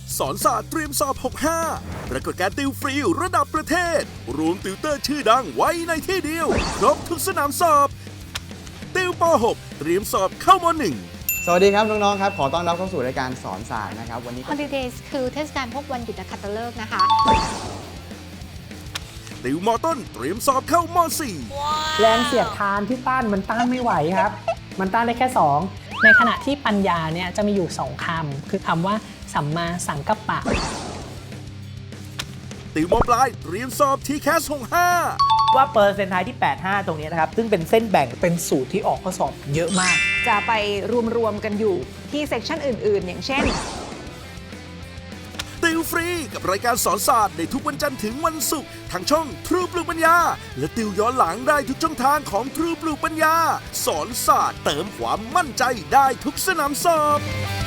สอนศาสตร์เตรียมสอบ 65 ปรากฏการณ์ติวฟรีระดับประเทศ รวมติวเตอร์ชื่อดังไว้ในที่เดียว ครบทุกสนามสอบ ติวป .6 เตรียมสอบเข้าม .1 สวัสดีครับน้องๆครับขอต้อนรับเข้าสู่รายการสอนศาสตร์นะครับวันนี้ Holidays คือเทศกาลพวกวันหยุดนักขัตฤกษ์นะคะติวมต้นเตรียมสอบเข้าม.4 แรงเสียดทานที่ต้านมันต้านไม่ไหวครับ มันต้านได้แค่ 2 ในขณะที่ปัญญาเนี่ยจะมีอยู่ 2 คำ คือคำว่าสัมมาสังกัปปะติวมปลายเตรียมสอบทีแคส 65 ว่าเปอร์เซ็นต์ไทยที่ 85 ตรงนี้นะครับ ซึ่งเป็นเส้นแบ่งเป็นสูตรที่ออกข้อสอบเยอะมากจะไปรวมๆกันอยู่ที่เซกชันอื่นๆ อย่างเช่นติวฟรีกับรายการสอนศาสตร์ในทุกวันจันทร์ถึงวันศุกร์ทางช่องทรูปลูกปัญญา และติวย้อนหลังได้ทุกช่องทางของทรูปลูกปัญญา สอนศาสตร์เติมความมั่นใจได้ทุกสนามสอบ